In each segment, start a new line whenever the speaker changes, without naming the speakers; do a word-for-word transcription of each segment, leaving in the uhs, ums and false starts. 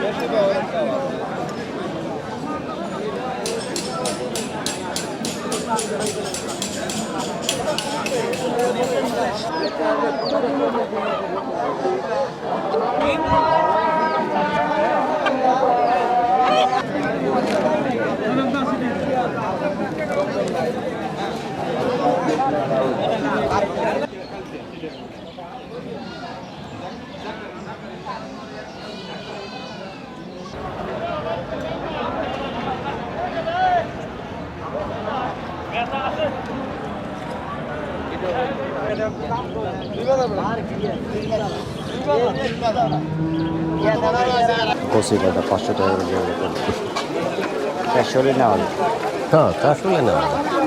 কচি কাটা পাঁচশো টাকা চারশো নেওয়া হ্যাঁ চারশো নেওয়া।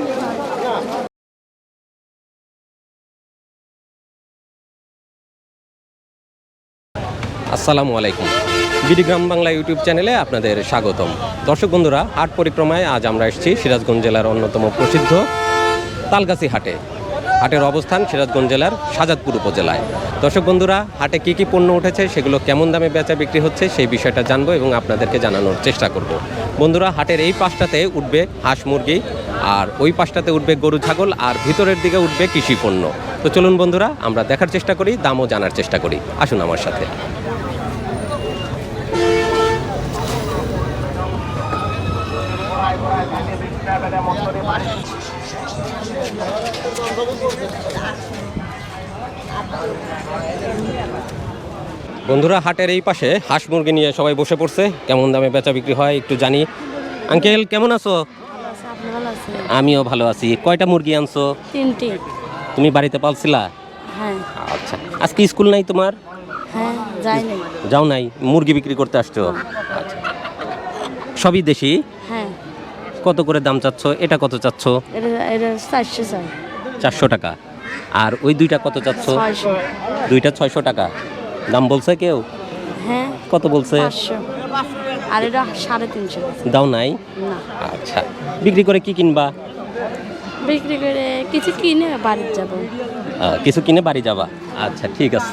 আসসালামু আলাইকুম, বিডি গ্রাম বাংলা ইউটিউব চ্যানেলে আপনাদের স্বাগতম। দর্শক বন্ধুরা, হাট পরিক্রমায় আজ আমরা এসেছি সিরাজগঞ্জ জেলার অন্যতম প্রসিদ্ধ তালগাছি হাটে। হাটের অবস্থান সিরাজগঞ্জ জেলার শাহজাদপুর উপজেলায়। দর্শক বন্ধুরা, হাটে কী কী পণ্য উঠেছে, সেগুলো কেমন দামে বেচা বিক্রি হচ্ছে, সেই বিষয়টা জানবো এবং আপনাদেরকে জানানোর চেষ্টা করব। বন্ধুরা, হাটের এই পাশটাতে উঠবে হাঁস মুরগি, আর ওই পাশটাতে উঠবে গরু ছাগল, আর ভিতরের দিকে উঠবে কৃষি পণ্য। তো চলুন বন্ধুরা, আমরা দেখার চেষ্টা করি, দামও জানার চেষ্টা করি। আসুন আমার সাথে। বন্ধুরা, হাটের এই পাশে হাঁস মুরগি নিয়ে সবাই বসে পড়ছে। কেমন দামে বেচা বিক্রি হয় একটু জানি। আঙ্কেল কেমন আছো? আমিও ভালো আছি। কয়টা মুরগি আনছো?
তিনটি।
তুমি বাড়িতে পালছিলা?
হ্যাঁ।
আচ্ছা, আজকে স্কুল নাই তোমার?
হ্যাঁ, যাই নাই।
যাও নাই, মুরগি বিক্রি করতে আসছো? আচ্ছা, সবই দেশি?
হ্যাঁ।
কত করে দাম চাচ্ছ? এটা কত চাচ্ছ?
এটা এটা চারশো চাই।
চারশো টাকা। আর ওই দুইটা কত চাচ্ছ?
ছয়শো।
দুইটা ছয়শো টাকা দাম বলছে কেউ?
হ্যাঁ।
কত বলছে?
পাঁচশো। আর এটা সাড়ে তিনশো।
দাও নাই?
না।
আচ্ছা, বিক্রি করে কি কিনবা?
বিক্রি করে কিছু কিনে বাড়ি যাব।
কিছু কিনে বাড়ি যাবা? আচ্ছা, ঠিক আছে।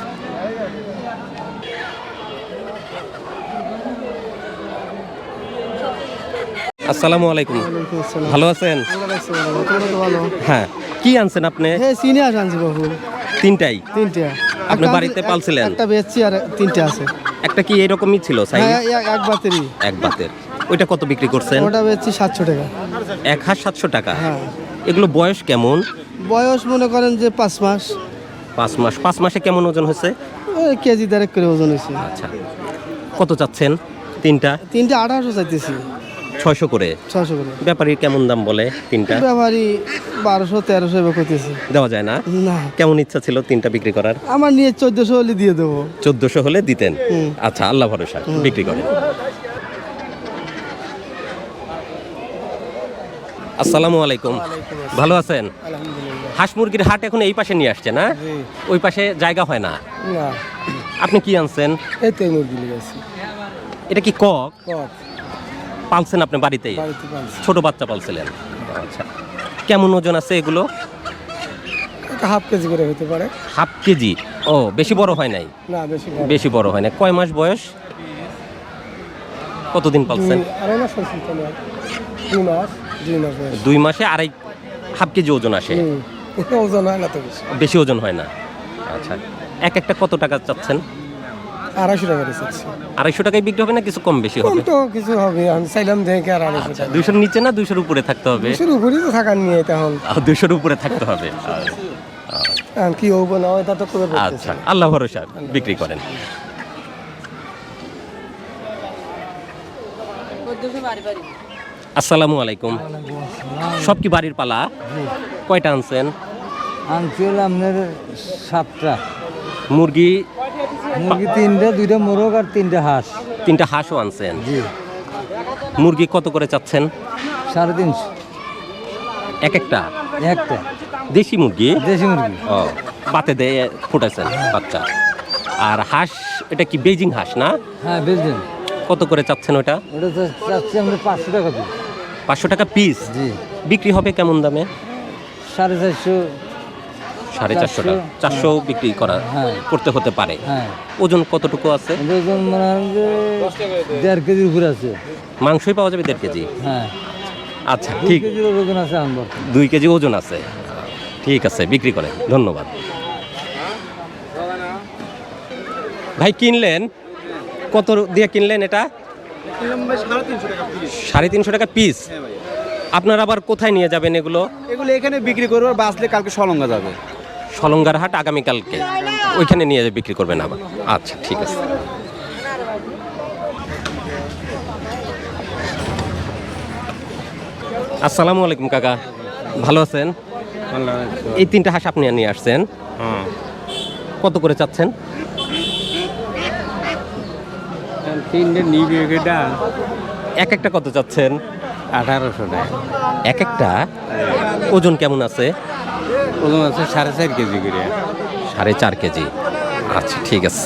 আসসালামু আলাইকুম। ভালো আছেন? হ্যাঁ। কি আনছেন আপনি?
হ্যাঁ, সিনিয়াস আনছি বাবু।
তিনটাই?
তিনটা।
আপনি বাড়িতে পালছিলেন?
একটা বেচছি আর তিনটা আছে।
একটা কি এরকমই ছিল সাইজ?
হ্যাঁ, এক বাতেরই।
এক বাতের। ওইটা কত বিক্রি করছেন?
ওটা বেচছি সাতশো টাকা।
এক হাজার সাতশো টাকা?
হ্যাঁ।
এগুলো বয়স কেমন?
বয়স মনে করেন যে পাঁচ মাস।
পাঁচ মাস। পাঁচ মাসে কেমন ওজন হয়েছে?
ওই কেজি দেড়েক করে ওজন হয়েছে।
আচ্ছা, কত চাচ্ছেন তিনটা?
তিনটা আঠারোশো চাইতেছি।
ছয়শো করে?
ছয়শো করে।
ব্যাপারী কেমন দাম বলে তিনটা?
ব্যাপারী বারোশো তেরোশো এবার করতেছে।
দেওয়া যায় না?
না।
কেমন ইচ্ছা ছিল তিনটা বিক্রি করার?
আমার নিয়ে চোদ্দশো হলে দিয়ে দেবো।
চোদ্দশো হলে দিতেন? আচ্ছা, আল্লাহ ভরসা, বিক্রি করেন। আসসালামু আলাইকুম। ভালো আছেন? হাঁস মুরগির হাট এখন এই পাশে নিয়ে আসছে না? ওই পাশে জায়গা হয় না?
না।
আপনি কি আনছেন?
এই তো মুরগি নিয়েছি।
এটা কি কক?
কক।
পালছেন আপনি বাড়িতেই?
বাড়িতে পালছি।
ছোট বাচ্চা পালছিলেন? আচ্ছা, কেমন ওজন আছে এগুলো?
এটা হাফ কেজি করে হতে পারে।
Half KG? ও, বেশি বড় হয় নাই?
না, বেশি
বেশি বড় হয় না। কয় মাস বয়স? কতদিন পালছেন?
আড়াই মাস হয়েছে। দুই মাস। দুই মাস বয়স।
দুই মাসে আড়াই হাফ কেজি ওজন আসে?
ওজন হয় না তো বেশি।
বেশি ওজন হয় না? আচ্ছা, এক একটা কত টাকা চাচ্ছেন?
আড়াইশো টাকা রেখেছি।
আড়াইশো টাকায় বিক্রি হবে না কিছু কম বেশি হবে?
তো কিছু হবে, আমি চাইলাম দেখে আর আড়াইশো টাকা।
দুইশোর নিচে না দুইশোর উপরে থাকতে হবে?
শুরু করি তো থাকার নিয়ে তখন
দুইশোর উপরে থাকতে হবে।
কি হবো না হয় তা তো করে বলতেছি।
আচ্ছা, আল্লাহ ভরসা, বিক্রি করেন। আসসালামু আলাইকুম। সব কি বাড়ির পালা? কয়টা আনছেন?
আনছিল আপনার সাতটা
মুরগি?
মুরগি তিনটা, দুইটা মোরগ আর তিনটা হাঁস।
তিনটা হাঁসও আনছেন?
জি।
মুরগি কত করে চাচ্ছেন?
সাড়ে তিনশো
এক একটা?
একটা
দেশি মুরগি?
দেশি মুরগি।
ও, বাতে দিয়ে ফুটাইছেন বাচ্চা। আর হাঁস, এটা কি বেজিং হাঁস না?
হ্যাঁ, বেচবেন।
কত করে চাচ্ছেন ওটা?
ওটা তো চাচ্ছি আমরা পাঁচশো টাকা পিস।
পাঁচশো টাকা পিস?
জি।
বিক্রি হবে কেমন দামে?
সাড়ে চারশো
সাড়ে চারশো টাকা চারশো বিক্রি করা
হ্যাঁ।
করতে হতে পারে।
হ্যাঁ
ওজন কতটুকু আছে?
এটা ওজন মনে হয় যে দেড় কেজির উপরে আছে।
মাংসই পাওয়া যাবে দেড় কেজি?
হ্যাঁ
আচ্ছা
দুই
ঠিক,
কেজির ওজন আছে আনবো।
দুই কেজি ওজন আছে, ঠিক আছে বিক্রি করেন, ধন্যবাদ। ভাই কিনলেন কত দিয়ে কিনলেন এটা? সাড়ে তিনশো টাকা পিস। আপনারা আবার কোথায় নিয়ে যাবেন এগুলো?
এগুলো এখানে বিক্রি করবো, আর বাঁচলে কালকে সলঙ্গা যাবে।
সলঙ্গার হাট আগামীকালকে ওইখানে নিয়ে যেয়ে বিক্রি করবেন আবার? আচ্ছা ঠিক আছে। আসসালামু আলাইকুম কাকা, ভালো আছেন? এই তিনটা হাঁস আপনি নিয়ে আসছেন, কত করে চাচ্ছেন?
তিনটে নিবে এটা
এক একটা কত চাচ্ছেন?
আঠারোশো টাকা।
এক একটা ওজন কেমন আছে?
ওজন আছে সাড়ে চার কেজি করে।
সাড়ে চার কেজি, আচ্ছা ঠিক আছে।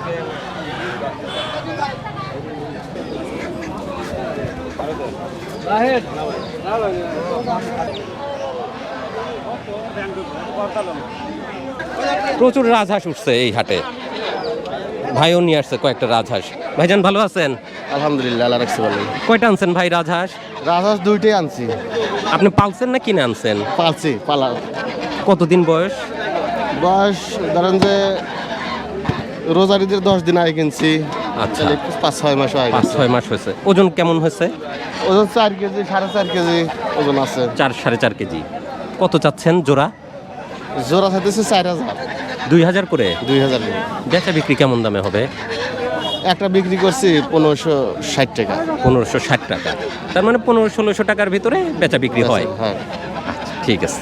প্রচুর রাজহাঁস উঠছে এই হাটে, ভাইও নিয়ে আসছে কয়েকটা রাজহাঁস। ভাইজান ভালো আছেন?
আলহামদুলিল্লাহ, আল্লাহ রাখছে ভালো।
কয়টা আনছেন ভাই রাজহাঁস?
রাজহাঁস দুইটাই আনছি।
আপনি পালছেন না কিনে আনছেন?
পালছি, পালা।
কতদিন বয়স?
বয়স ধরেন যে রোজারিদের দশ দিন আগে কিনছি।
আচ্ছা,
তাহলে পাঁচ ছয় মাস আগে।
পাঁচ ছয় মাস হয়েছে। ওজন কেমন হয়েছে?
ওজন চার কেজি, সাড়ে চার কেজি ওজন আছে।
চার সাড়ে চার কেজি। কত চাচ্ছেন জোড়া?
জোড়া চাইতেছে চার হাজার।
দুই হাজার করে?
দুই হাজার।
বেচা বিক্রি কেমন দামে হবে?
একটা বিক্রি করছি পনেরোশো ষাট টাকা।
পনেরোশো ষাট টাকা, তার মানে পনেরো ষোলোশো টাকার ভিতরে বেচা বিক্রি হয়।
হ্যাঁ,
আচ্ছা ঠিক আছে।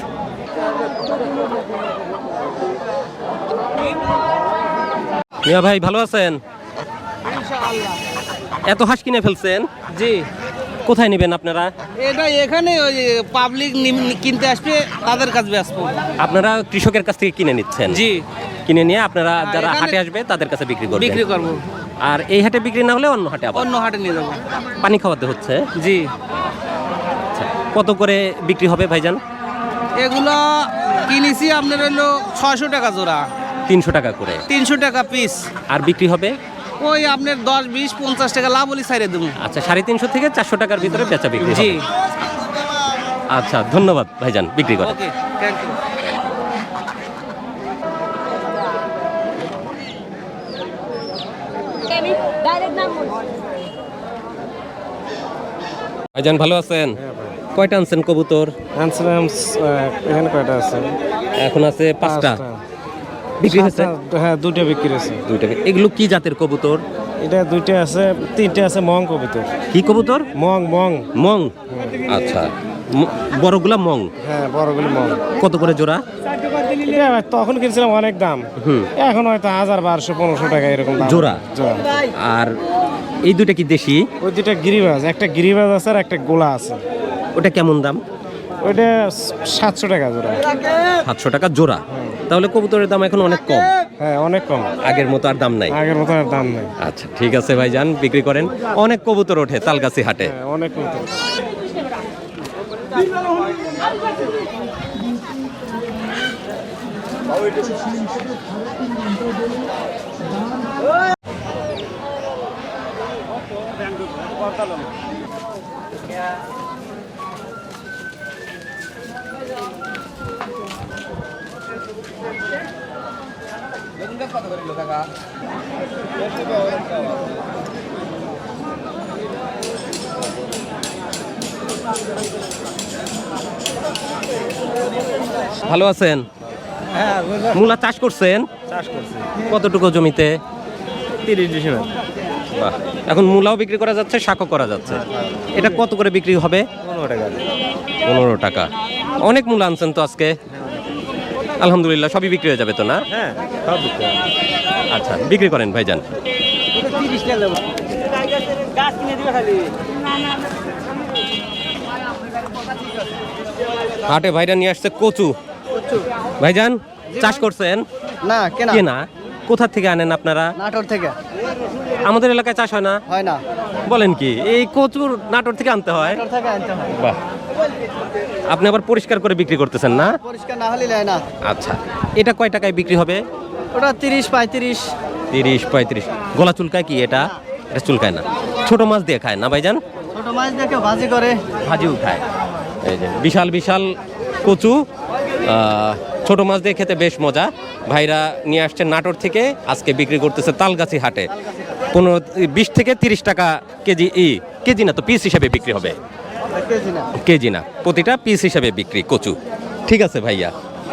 মিয়া ভাই ভালো আছেন? এত হাঁস কিনে ফেলছেন?
জি,
কোথায় নেবেন আপনারা?
এটা এখানে ওই পাবলিক কিনতে আসবে তাদের কাছে আসবো।
আপনারা কৃষকের কাছ থেকে কিনে নিচ্ছেন?
জি,
কিনে নিয়ে আপনারা যারা
এখানে
হাটে আসবে তাদের কাছে বিক্রি করবেন?
বিক্রি করবো।
আর এই হাটে বিক্রি না হলে অন্য হাটে আবার
অন্য হাটে নিয়ে যাবো।
পানি খাওয়াতে হচ্ছে?
জি,
আচ্ছা, কত করে বিক্রি হবে ভাইজান?
এগুলো কিনেছি আপনার হলো ছয়শো টাকা জোড়া,
তিনশো টাকা করে।
তিনশো টাকা পিস।
আর বিক্রি হবে
ওই আপনার দশ বিশ পঞ্চাশ টাকা লাভ হলে ছাড়িয়ে দেবো।
আচ্ছা, সাড়ে তিনশো থেকে চারশো টাকার ভিতরে বেচা বিক্রি
জি,
হবে। আচ্ছা ধন্যবাদ ভাইজান, বিক্রি করেন।
Okay, thank you.
ভাইজান ভালো আছেন? কয়টা আনছেন কবুতর?
আনছিলাম এখানে কয়টা আছে?
এখন আছে পাঁচটা। বিক্রি হয়েছে?
হ্যাঁ, দুইটা বিক্রি হয়েছে।
দুইটা। এগুলো কি জাতের কবুতর?
এটা দুইটা আছে, তিনটে আছে মং কবুতর।
কি কবুতর?
মং মং
মং। আচ্ছা, ম- বড়গুলা মং।
হ্যাঁ, বড়গুলি মং।
কত করে জোড়া?
এটা তখন কিনছিলাম অনেক দাম,
হুম।
এখন হয়তো হাজার বারোশো পনেরোশো টাকা এরকম দাম।
জোড়া?
জোড়া।
আর এই দুটা কি দেশি?
ওই দুইটা গিরিবাজ, একটা গিরিবাজ আছে আর একটা গোলা আছে।
ওটা কেমন দাম?
ওইটা সাতশো টাকা জোড়া।
সাতশো টাকা জোড়া। তাহলে কবুতরের দাম এখন অনেক কম,
হ্যাঁ, অনেক কম,
আগের মতো আর দাম নাই।
আগের মতো আর দাম নেই।
আচ্ছা ঠিক আছে ভাইজান, বিক্রি করেন। অনেক কবুতর ওঠে তালগাছি হাটে।
হ্যাঁ, অনেক মতো।
ভালো আছেন?
হ্যাঁ,
মূলা চাষ করছেন?
চাষ করছি
কতটুকু জমিতে?
তিরিশ ডিসেম্বর।
বাহ, এখন মূলাও বিক্রি করা যাচ্ছে, শাকও করা যাচ্ছে। এটা কত করে বিক্রি হবে?
পনেরো টাকা।
পনেরো টাকা। অনেক মূলা আনছেন তো আজকে, আলহামদুলিল্লাহ সবই বিক্রি হয়ে যাবে তো না?
হ্যাঁ, সব বিক্রি।
আচ্ছা বিক্রি করেন ভাইজান। হাটে ভাইরা নিয়ে আসছে কচু। ভাইজান চাষ করছেন?
না, কেনা
কেনা? কোথা থেকে আনেন আপনারা?
নাটোর থেকে।
আমাদের এলাকায় চাষ হয় না?
হয় না,
বলেন কি, এই কচুর নাটোর থেকে আনতে হয়?
নাটোর থেকে আনতে হয়।
বাহ, আপনি আবার পরিষ্কার করে বিক্রি করতেছেন না?
পরিষ্কার না হলে নেয় না।
আচ্ছা এটা কয় টাকায় বিক্রি হবে?
ওটা তিরিশ পঁয়ত্রিশ।
তিরিশ পঁয়ত্রিশ। গলা চুলকায় কি এটা? এটা চুলকায় না, ছোট মাছ দিয়ে খায় না ভাইজান?
ছোট মাছ দেখে ভাজি করে।
ভাজিও খায়। এই যে বিশাল বিশাল কচু, আহ, ছোট মাছ দিয়ে খেতে বেশ মজা। ভাইরা নিয়ে আসছেন নাটোর থেকে, আজকে বিক্রি করতেছে তালগাছি হাটে। পনেরো বিশ থেকে তিরিশ টাকা কেজি। ই কেজি না তো, পিস হিসাবে বিক্রি হবে।
কেজি না।
কেজি না, প্রতিটা পিস হিসাবে বিক্রি কচু। ঠিক আছে ভাইয়া।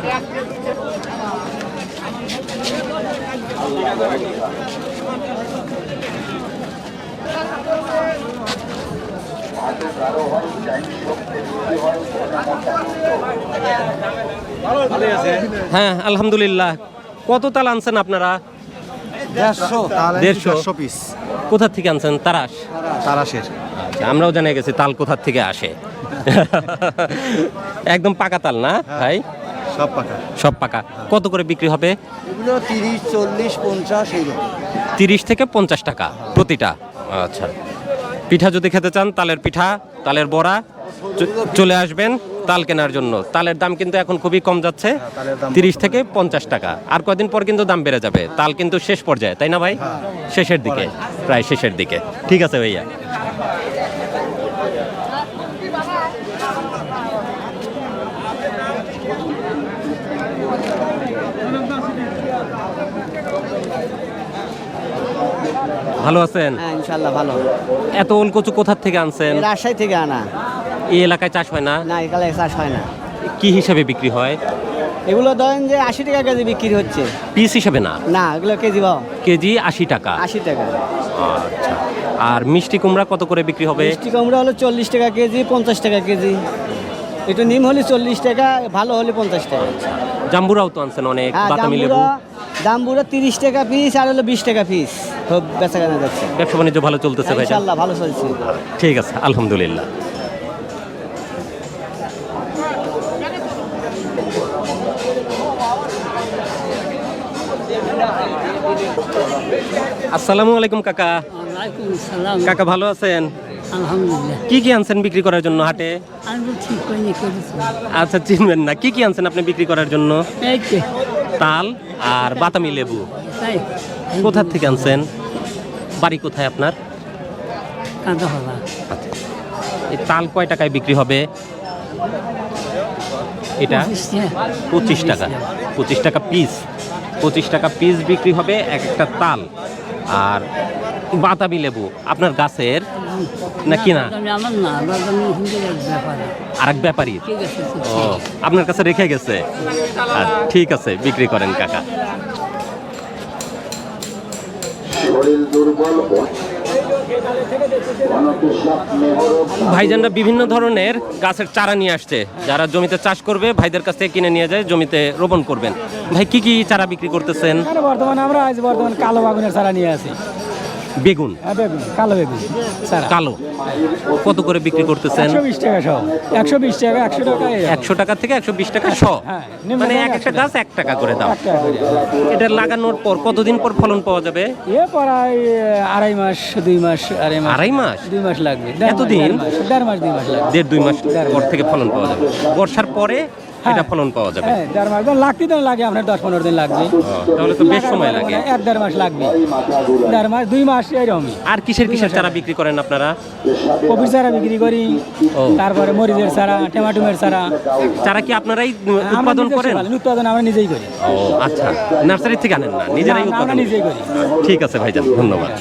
হ্যাঁ আলহামদুলিল্লাহ। কত তাল আনছেন আপনারা?
দেড়শো
দেড়শো
পিস
কোথা থেকে আনছেন? তারাস?
তারাশের।
আচ্ছা, আমরাও জানিয়ে গেছি তাল কোথা থেকে আসে। একদম পাকা তাল না ভাই?
সব পাকা।
সব পাকা। কত করে বিক্রি হবে?
এগুলো তিরিশ চল্লিশ পঞ্চাশ এইরকম।
তিরিশ থেকে পঞ্চাশ টাকা প্রতিটা। আচ্ছা, পিঠা যদি খেতে চান, তালের পিঠা, তালের বড়া, চ- চলে আসবেন তাল কেনার জন্য। তালের দাম কিন্তু এখন খুবই কম যাচ্ছে, তিরিশ থেকে পঞ্চাশ টাকা। আর কয়দিন পর কিন্তু দাম বেড়ে যাবে। তাল কিন্তু শেষ পর্যায়ে, তাই না ভাই? শেষের দিকে, প্রায় শেষের দিকে। ঠিক আছে ভাইয়া। ভালো আছেন?
হ্যাঁ ইনশাল্লাহ ভালো।
এত ওল কচু কোথা থেকে আনছেন?
এই রাজশাহী থেকে আনা।
এই এলাকায় চাষ হয় না?
না এখানে চাষ হয় না।
কি হিসাবে বিক্রি হয়?
এগুলো ধরেন যে আশি টাকা কেজি বিক্রি হচ্ছে।
পিস হিসাবে না,
না এগুলো কেজি পাও
কেজি আশি টাকা।
আশি টাকা।
আচ্ছা, আর মিষ্টি কুমড়া কত করে বিক্রি হবে?
মিষ্টি কুমড়া হলো চল্লিশ টাকা কেজি, পঞ্চাশ টাকা কেজি। একটু নিম হলে চল্লিশ টাকা, ভালো হলে পঞ্চাশ টাকা।
জাম্বুরাও তো আনছেন অনেক,
হ্যাঁ
বাতামি লেবু।
জাম্বুরা জাম্বুরা তিরিশ টাকা পিস আর হলো বিশ টাকা পিস। সব বেচা কেনা যাচ্ছে।
ব্যবসা বাণিজ্য ভালো চলতেছে ভাই?
ইনশাল্লাহ ভালো চলছে।
ঠিক আছে আলহামদুলিল্লাহ। আসসালামু আলাইকুম কাকা।
ওয়ালাইকুম আসসালাম।
কাকা ভালো আছেন?
আলহামদুলিল্লাহ।
কি কি আনছেন বিক্রি করার জন্য হাটে?
আমি তো ঠিক করিনি করেছি।
আচ্ছা, চিনবেন না। কি কি আনছেন আপনি বিক্রি করার জন্য?
এই তো
তাল আর বাতামি লেবু।
তাই
কোথা থেকে আনছেন? বাড়ি কোথায় আপনার?
কাঁদা হবা।
আচ্ছা, এই তাল কয় টাকায় বিক্রি হবে? এটা পঁচিশ টাকা। পঁচিশ টাকা পিস। পঁচিশ টাকা পিস বিক্রি হবে এক একটা তাল। আর বাতাবি লেবু আপনার গাছের না কিনা?
আমার না, বাদামি হিন্দি ব্যাপারে।
আর এক ব্যাপারী?
ঠিক আছে ঠিক
ও, আপনার কাছে রেখে গেছে। আর ঠিক আছে, বিক্রি করেন কাকা। ভাইজানরা বিভিন্ন ধরনের গাছের চারা নিয়ে আসছে। যারা জমিতে চাষ করবে ভাইদের কাছ থেকে কিনে নিয়ে যায়, জমিতে রোপণ করবেন। ভাই কি কি চারা বিক্রি করতেছেন?
বর্তমানে আমরা আজ বর্তমানে কালো বাগুনের চারা নিয়ে আসি।
বেগুন?
বেগুন, কালো বেগুন চারা।
কালো কত করে বিক্রি করতেছেন?
একশো বিশ টাকা সহ। একশো বিশ টাকা, একশো টাকা।
একশো টাকা থেকে একশো বিশ টাকা শ।
হ্যাঁ, নিম্ন
মানে
দামে
এক একটা
একশো
গাছ এক টাকা করে দাম।
এক টাকা করে।
এটা লাগানোর পর কতদিন পর ফলন পাওয়া যাবে?
এ প্রায় আড়াই মাস, দুই মাস। আড়াই মাস,
আড়াই মাস?
দুই মাস লাগবে। দেড় মাস,
এতদিন?
দেড় মাস, দেড় মাস, দুই মাস লাগবে।
দেড় দুই মাস
দেড়
পর
মাস।
থেকে ফলন পাওয়া যাবে। বর্ষার পরে এটা ফলন পাওয়া যাবে।
হ্যাঁ, দেড় মাস লাগতে তো লাগে, আপনার দশ পনেরো দিন লাগবে।
ও, তাহলে তো বেশ সময় লাগে।
এক দেড় মাস লাগবে। দেড় মাস, দুই মাস এরকমই।
আর কিসের কিসের চারা বিক্রি করেন আপনারা?
কপির চারা বিক্রি করি,
ও।
তারপরে মরিচের চারা, টমেটোমের চারা।
চারা কি আপনারাই
আমরা
উৎপাদন
নিজস্ব
করেন?
বানাই, উৎপাদন আমরা নিজেই করি।
ও আচ্ছা, নার্সারি থেকে আনেন না, নিজেরাই
না, না, আমরা
উৎপাদন?
নিজেই করি।
ঠিক আছে ভাইজান, ধন্যবাদ।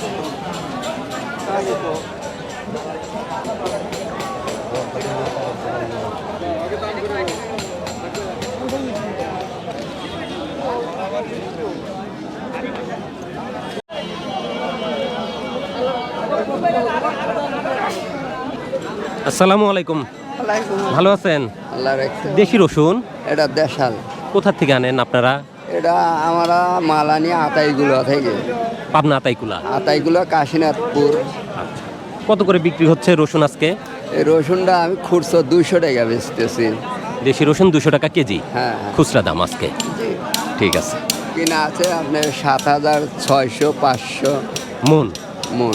আসসালামু আলাইকুম। ভালো আছেন?
আল্লাহ রাখছে।
দেশি রসুন
এটা দেশাল।
কোথা থেকে আনেন আপনারা?
এটা আমরা মালানি আতাইগুলো থেকে।
পাবনা আতাইকুলা?
আতাইগুলো কাশীনাথপুর।
আচ্ছা, কত করে বিক্রি হচ্ছে রসুন আজকে?
এই রসুনটা আমি খুচরো দুইশো টাকা বেচতেছি।
দেশি রসুন দুশো টাকা কেজি
হ্যাঁ হ্যাঁ।
খুচরা দাম আজকে? ঠিক আছে।
কিনা আছে আপনার সাত হাজার ছয়শো পাঁচশো
মন?
মন।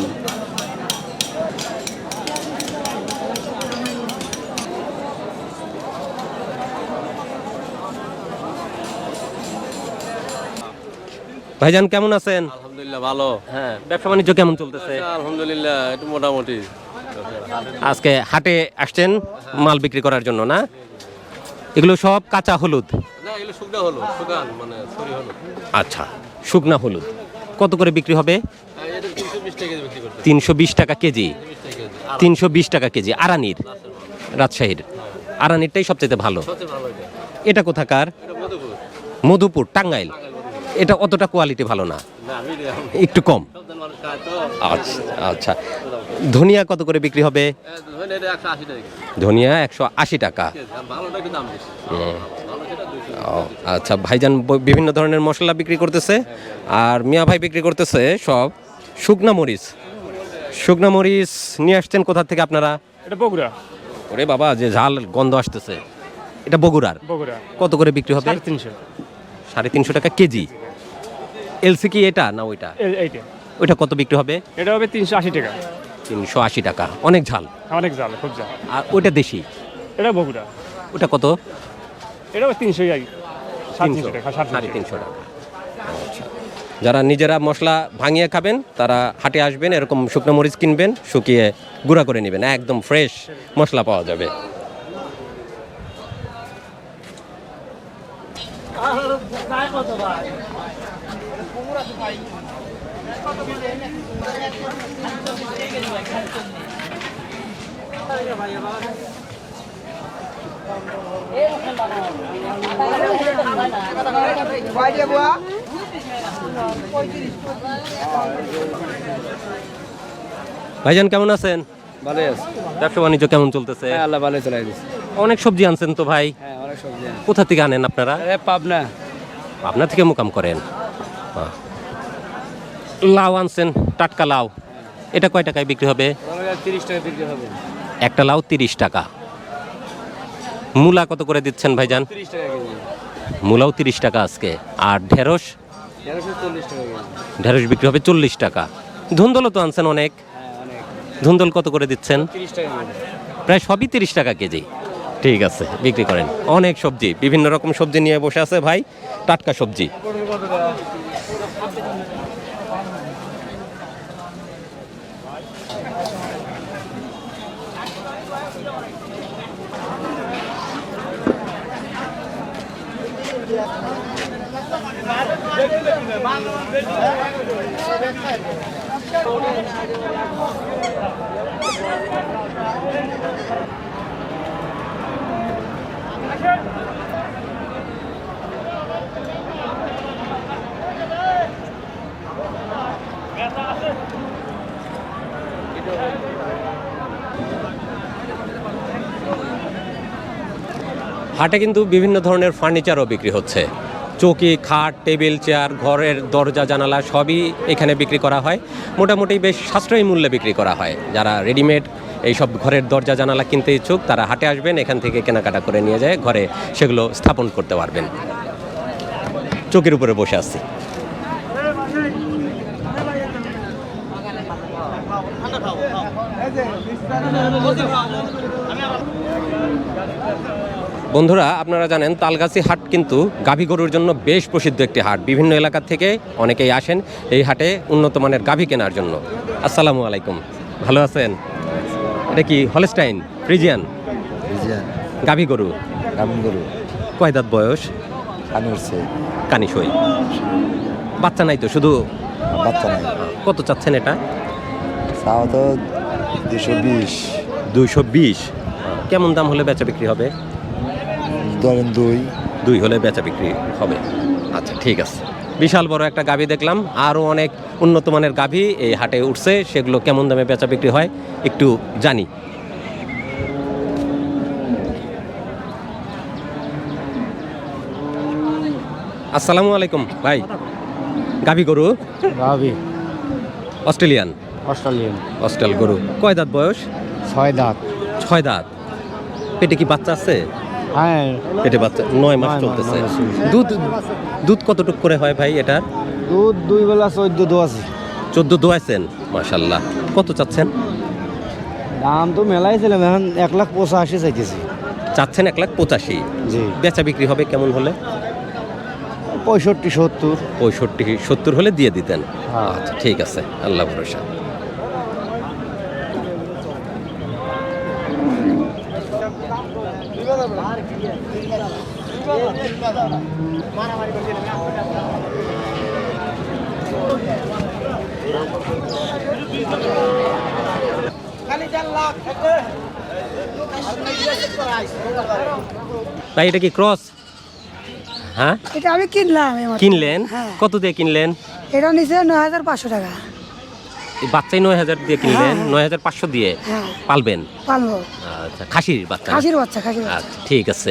ভাইজান কেমন আছেন?
আলহামদুলিল্লাহ ভালো।
হ্যাঁ, ব্যবসা বাণিজ্য কেমন চলতেছে?
আলহামদুলিল্লাহ একটু মোটামুটি।
আজকে হাটে আসছেন মাল বিক্রি করার জন্য না? এগুলো সব কাঁচা হলুদ?
না এগুলো শুকনা হলো, শুকান মানে সরি হলো।
আচ্ছা, শুকনা হলুদ কত করে বিক্রি হবে?
এটা তিনশো বিশ টাকা বিক্রি করতে।
তিনশো বিশ টাকা কেজি। তিনশো বিশ টাকা কেজি আরানির, রাজশাহীর আরানিরটাই সবচেয়ে ভালো।
সবচেয়ে ভালো এটা।
এটা কোথাকার?
এটা মধুপুর।
মধুপুর, টাঙ্গাইল। এটা অতটা কোয়ালিটি ভালো না,
না মিডিয়াম।
একটু কম।
সব জন মানুষ খায় তো।
আচ্ছা আচ্ছা, ধনিয়া কত করে বিক্রি হবে?
এ, ধরেন এটা একশো আশি টাকা।
ধনিয়া একশো আশি টাকা।
ভালোটা একটু দাম বেশি।
হুম।
ভালো সেটা দুইশো।
ও, আচ্ছা, ভাইজান ব- বিভিন্ন ধরনের মশলা বিক্রি করতেছে, আর মিয়া ভাই বিক্রি করতেছে সব শুকনা মরিচ। শুকনা মরিচ নিয়ে আসছেন কোথা থেকে আপনারা?
এটা বগুড়া।
ওরে বাবা, যে ঝাল গন্ধ আসতেছে, এটা বগুড়ার।
বগুড়া
কত করে বিক্রি হবে?
সাড়ে তিনশো।
সাড়ে তিনশো টাকা কেজি। এলসি কি এটা না ওইটা?
এই- এইটা
ওইটা কত বিক্রি হবে?
এটা হবে তিনশো আশি টাকা।
তিনশো আশি টাকা, অনেক ঝাল।
অনেক জাল, খুব জাল।
আর ওইটা দেশি,
এটা বগুড়া।
ওটা কত?
এটা হবে তিনশো সাড়ে
তিনশো,
তিনশো টাকা। সাড়ে
সাড়ে
তিনশো
তিনশো টাকা। আচ্ছা, যারা নিজেরা মশলা ভাঙিয়ে খাবেন তারা হাটে আসবেন, এরকম শুকনো মরিচ কিনবেন, শুকিয়ে গুঁড়া করে নেবেন, একদম ফ্রেশ মশলা পাওয়া যাবে। ভাইজান কেমন আছেন?
ভালো আছে।
ব্যবসা বাণিজ্য কেমন চলতেছে?
হ্যাঁ আল্লাহ ভালো চলাই দিচ্ছে।
অনেক সবজি আনছেন তো ভাই,
হ্যাঁ অনেক সবজি।
কোথা থেকে আনেন আপনারা?
আরে পাবনা।
আপনার থেকে মোকাম করেন। বাহ। লাউ আনছেন, টাটকা লাউ, এটা কয় টাকায় বিক্রি হবে?
তিরিশ টাকা বিক্রি হবে।
একটা লাউ তিরিশ টাকা। মূলা কত করে দিচ্ছেন ভাইজান?
তিরিশ টাকা কেজি।
মূলাও তিরিশ টাকা আজকে। আর ঢেঁড়স?
তেরোশো চল্লিশ টাকা কেজি।
ঢেঁড়স বিক্রি হবে চল্লিশ টাকা। ধুন্দলও তো আনছেন অনেক,
হ্যাঁ অনেক।
ধুন্দল কত করে দিচ্ছেন?
তিরিশ টাকা কেজি।
প্রায় সবই তিরিশ টাকা কেজি। ঠিক আছে, বিক্রি করেন। অনেক সবজি, বিভিন্ন রকম সবজি নিয়ে বসে আছে ভাই, টাটকা সবজি। হাটে কিন্তু বিভিন্ন ধরনের ফার্নিচারও বিক্রি হচ্ছে। চৌকি, খাট, টেবিল, চেয়ার, ঘরের দরজা জানালা সবই এখানে বিক্রি করা হয়। মোটামুটি বেশ সাশ্রয়ী মূল্যে বিক্রি করা হয়। যারা রেডিমেড এইসব ঘরের দরজা জানালা কিনতে ইচ্ছুক তারা হাটে আসবেন, এখান থেকে কেনাকাটা করে নিয়ে যায় ঘরে, সেগুলো স্থাপন করতে পারবেন। চৌকির উপরে বসে আছি। বন্ধুরা, আপনারা জানেন তালগাছি হাট কিন্তু গাভী গরুর জন্য বেশ প্রসিদ্ধ একটি হাট। বিভিন্ন এলাকা থেকে অনেকেই আসেন এই হাটে উন্নত মানের গাভী কেনার জন্য। আসসালামু আলাইকুম, ভালো আছেন? এটা কি হলস্টাইন ফ্রিজিয়ান গাভী গরু?
গাভী গরু।
কয় দাঁত বয়স?
কানি উঠছে।
কানি সই। বাচ্চা নাই তো, শুধু
বাচ্চা নাই।
কত চাচ্ছেন এটা?
তাও তো দুশো বিশ।
দুইশো বিশ। কেমন দাম হলে বেচা বিক্রি হবে?
ধরেন দুই।
দুই হলে বেচা বিক্রি হবে। আচ্ছা ঠিক আছে। বিশাল বড় একটা গাভী দেখলাম, আরও অনেক উন্নত মানের গাভী এই হাটে উঠছে, সেগুলো কেমন দামে বেচা বিক্রি হয় একটু জানি। আসসালামু আলাইকুম ভাই, গাভী গরু?
গাভী
অস্ট্রেলিয়ান?
অস্ট্রেলিয়ান।
অস্ট্রেল গরু। কয় দাঁত বয়স?
ছয় দাঁত।
ছয় দাঁত। পেটে কি বাচ্চা আছে?
হ্যাঁ
পেটে বাচ্চা, নয় মাস
নয় মাস,
চলতেছে।
নয় মাস চলছে।
দুধ দুধ কতটুক করে হয় ভাই এটার?
দুধ দুই বেলা চোদ্দ দো আছে।
চোদ্দ দোয়াইছেন, মাশাল্লাহ। কত চাচ্ছেন?
দাম তো মেলাই ছিলাম, এখন এক লাখ পঁচাশি চাইতেছি।
চাচ্ছেন এক লাখ পঁচাশি।
জি।
বেচা বিক্রি হবে কেমন হলে?
পঁয়ষট্টি সত্তর।
পঁয়ষট্টি সত্তর হলে দিয়ে দিতেন। আচ্ছা ঠিক আছে, আল্লাহ ভরসা। ভাই এটা কি ক্রস? হ্যাঁ
এটা আমি কিনলাম
কিনলেন? কত দিয়ে কিনলেন?
এটা নিচে নয় হাজার পাঁচশো টাকা।
এই বাচ্চাই নয় হাজার দিয়ে কিনলেন? নয় হাজার পাঁচশো দিয়ে পালবেন?
পালবো।
আচ্ছা, খাসির বাচ্চা?
খাসির বাচ্চা, খাসির বাচ্চা।
আচ্ছা ঠিক আছে।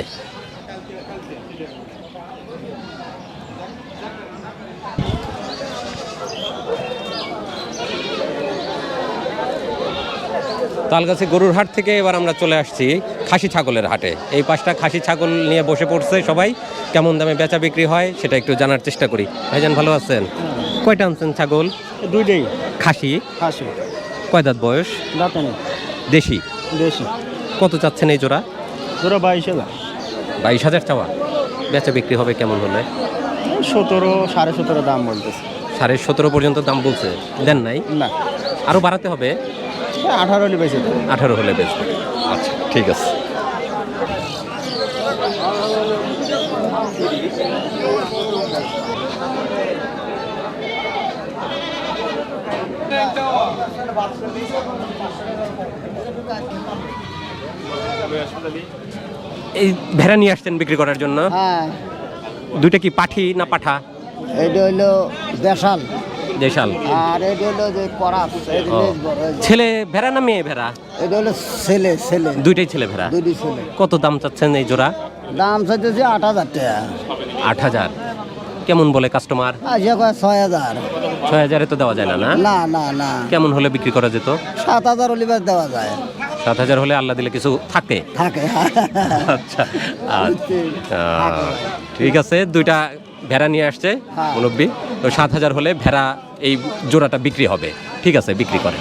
তালগাছি গরুর হাট থেকে এবার আমরা চলে আসছি খাসি ছাগলের হাটে। এই পাঁচটা খাসি ছাগল নিয়ে বসে পড়ছে সবাই। কেমন দামে বেচা বিক্রি হয় সেটা একটু জানার চেষ্টা করি। ভাইজান ভালো আছেন? কয়টা আনছেন ছাগল?
দুইটাই
খাসি?
খাসি।
কয় দাঁত বয়স?
দাঁতে নেই।
দেশি?
দেশি।
কত চাচ্ছেন এই জোড়া?
জোড়া বাইশ হাজার।
বাইশ হাজার চাওয়া? বেচা বিক্রি হবে কেমন হলে?
সতেরো সাড়ে সতেরো দাম বলতেছে।
সাড়ে সতেরো পর্যন্ত দাম বলছে, দেন নাই?
না,
আরও বাড়াতে হবে?
আঠারো হলে বেশি।
আঠারো হলে বেচবে। আচ্ছা ঠিক আছে। এই ভেড়া নিয়ে আসছেন বিক্রি করার জন্য?
হ্যাঁ।
দুইটা কি পাঠি না পাঠা?
এটা হইলো দেশাল।
দেশাল।
আর এটা হলো যে করাত।
ছেলে ভেড়া না মেয়ে ভেড়া?
এটা হলো ছেলে। ছেলে
দুইটাই ছেলে ভেড়া?
দুইটি ছেলে।
কত দাম চাচ্ছেন এই জোড়া?
দাম চাইতেছে আট হাজার টাকা।
আট হাজার? কেমন বলে কাস্টমার?
আজকে কয় ছয় হাজার।
ছয় হাজারে তো দেওয়া যায় না? না
না না না।
কেমন হলে বিক্রি করা যেত?
সাত হাজার হলিবার দেওয়া যায়।
সাত হাজার হলে আল্লাহ দিলে কিছু থাকে?
থাকে।
আচ্ছা আচ্ছা, ঠিক আছে। দুইটা ভেড়া নিয়ে আসছে মুরব্বি, তো সাত হাজার হলে ভেড়া এই জোড়াটা বিক্রি হবে। ঠিক আছে, বিক্রি করে।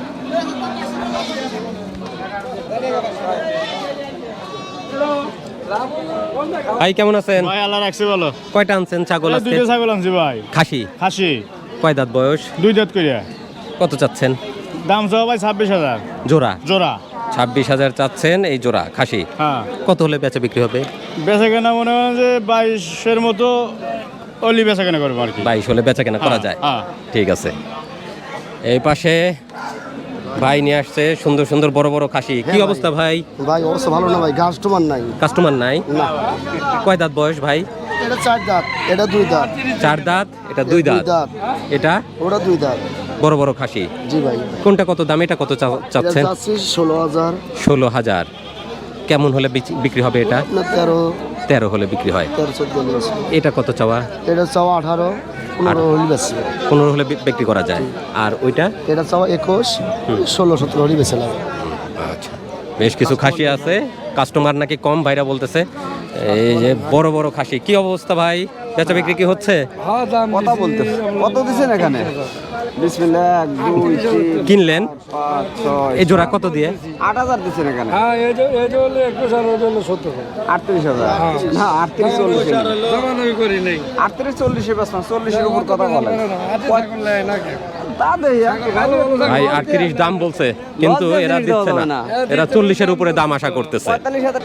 ভাই কেমন আছেন?
ভাই আল্লাহ রাখছে ভালো।
কয়টা আনছেন ছাগল? আজকে
দুইটা ছাগল আনছি ভাই।
খাসি?
খাসি।
কয় দাঁত বয়স?
দুই দাঁত করিয়া।
কত চাচ্ছেন?
দাম চাও ভাই ছাব্বিশ হাজার
জোড়া?
জোড়া
ছাব্বিশ হাজার চাচ্ছেন এই জোড়া খাসি।
হ্যাঁ।
কত হলে বেচা বিক্রি হবে?
বেচা কেনা মনে হয় যে বাইশের মতো অলি বেচা কেনা করবো আর কি।
বাইশ হলে বেচা কেনা করা যায়?
হ্যাঁ।
ঠিক আছে। এই পাশে ভাই নিয়ে আসছে সুন্দর সুন্দর বড় বড় খাসি। কি অবস্থা ভাই?
ভাই অবস্থা ভালো না ভাই, কাস্টমার নাই।
কাস্টমার নাই?
না।
কয় দাঁত বয়স ভাই?
এটা চার দাঁত, এটা দুই দাঁত।
চার দাঁত, এটা দুই দাঁত। এটা
ওটা দুই দাঁত।
বড় বড় খাসি?
জি ভাই।
কোনটা কত দাম? এটা কত চা- চাচ্ছেন?
ষোলো হাজার।
ষোলো হাজার। কেমন হলে বিচ- বিক্রি হবে এটা?
না তেরো।
তেরো হলে বিক্রি হয়।
তেরো চোদ্দ হলে।
এটা কত চাওয়া?
এটা চাওয়া আঠারো, পনেরো হলে বেশি।
পনেরো হলে বি- বিক্রি করা যায়। আর ওইটা?
এটা চাওয়া একুশ, ষোলো সতেরো হলে বেশি লাগে।
আচ্ছা, বেশ কিছু খাসি আছে। কাস্টমার নাকি কম, ভাইরা বলতেছে। এই যে বড় বড় খাসি। কি অবস্থা ভাই, বেচা বিক্রি কি হচ্ছে?
কথা বলতে কত দিচ্ছেন এখানে? বিসমিল্লাহ। এক দুই তিন
কিনলেন?
পাঁচ ছয়
এই জোড়া কত দিয়ে?
আট হাজার দিচ্ছেন এখানে।
হ্যাঁ, এই যে এই যে হলো একুশ আর ওটা হলো সত্তর।
আটত্রিশ হাজার। না, আটত্রিশ চল্লিশ।
জমানোই করি নেই।
আটত্রিশ চল্লিশে বেশ না, চল্লিশের উপর কথা বলে। তা দেই
ভাই আটত্রিশ দাম বলছে, কিন্তু
লজ্জা
এরা
জিনিস
দিচ্ছে
দেওয়া
না।
যাবে না।
এরা চল্লিশের উপরে দাম আশা করতেছে।
পঁয়তাল্লিশ হাজার।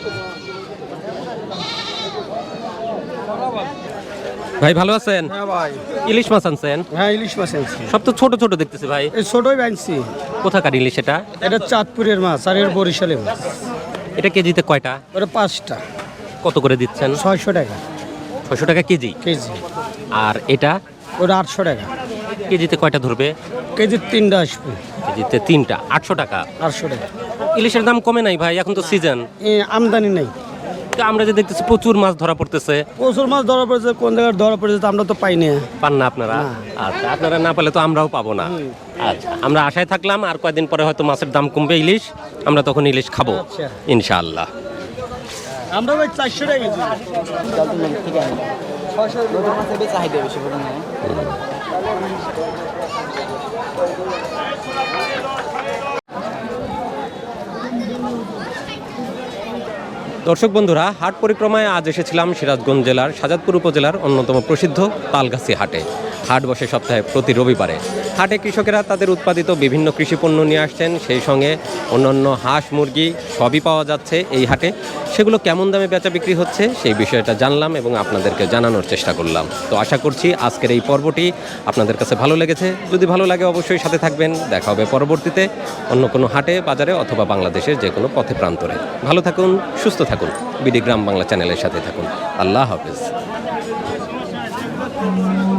ভাই ভালো আছেন?
হ্যাঁ ভাই।
ইলিশ মাছ আনছেন?
হ্যাঁ, ইলিশ মাছ আনছি।
সব তো ছোট ছোট দেখতেছি ভাই।
এই ছোটই আনছি।
কোথাকার ইলিশ এটা?
এটা চাঁদপুরের মাছ আর এর বরিশালের মাছ।
এটা কেজিতে কয়টা?
ওটা পাঁচটা,
কত করে দিচ্ছেন?
ছয়শো টাকা
ছয়শো টাকা কেজি।
কেজি।
আর এটা?
ওটা আটশো টাকা
কেজিতে কয়টা ধরবে?
কেজি। তিনটা আসবে।
কেজিতে তিনটা, আটশো টাকা।
আটশো টাকা।
ইলিশের দাম কমে নাই ভাই, এখন তো সিজন।
এ, আমদানি নেই।
আমরা যে দেখতেছি প্রচুর মাছ ধরা পড়তেছে।
প্রচুর মাছ ধরা পড়েছে, কোন জায়গায় ধরা পড়েছে তা আমরা তো পাই না।
পান না আপনারা? আচ্ছা, আপনারা না পেলে তো আমরাও পাবো না। আচ্ছা, আমরা আশায় থাকলাম আর কয়েকদিন পরে হয়তো মাছের দাম কমবে, ইলিশ আমরা তখন ইলিশ খাবো
আচ্ছা।
ইনশাআল্লাহ।
আমরা ভাই চারশো টাকা কেজি।
চাহিদা বেশি করে না।
দর্শক বন্ধুরা, হাট পরিক্রমায় আজ এসেছিলাম সিরাজগঞ্জ জেলার শাহজাদপুর উপজেলার অন্যতম প্রসিদ্ধ তালগাছি হাটে। হাট বসে সপ্তাহে প্রতি রবিবারে। হাটে কৃষকেরা তাদের উৎপাদিত বিভিন্ন কৃষিপণ্য নিয়ে আসছেন, সেই সঙ্গে অন্যান্য হাঁস মুরগি সবই পাওয়া যাচ্ছে এই হাটে। সেগুলো কেমন দামে বেচা বিক্রি হচ্ছে সেই বিষয়টা জানলাম এবং আপনাদেরকে জানানোর চেষ্টা করলাম। তো আশা করছি আজকের এই পর্বটি আপনাদের কাছে ভালো লেগেছে। যদি ভালো লাগে অবশ্যই সাথে থাকবেন। দেখা হবে পরবর্তীতে অন্য কোনো হাটে, বাজারে অথবা বাংলাদেশের যে কোনো পথে প্রান্তরে। ভালো থাকুন, সুস্থ থাকুন। বিডি গ্রাম বাংলা চ্যানেলের সাথে থাকুন। আল্লাহ হাফেজ।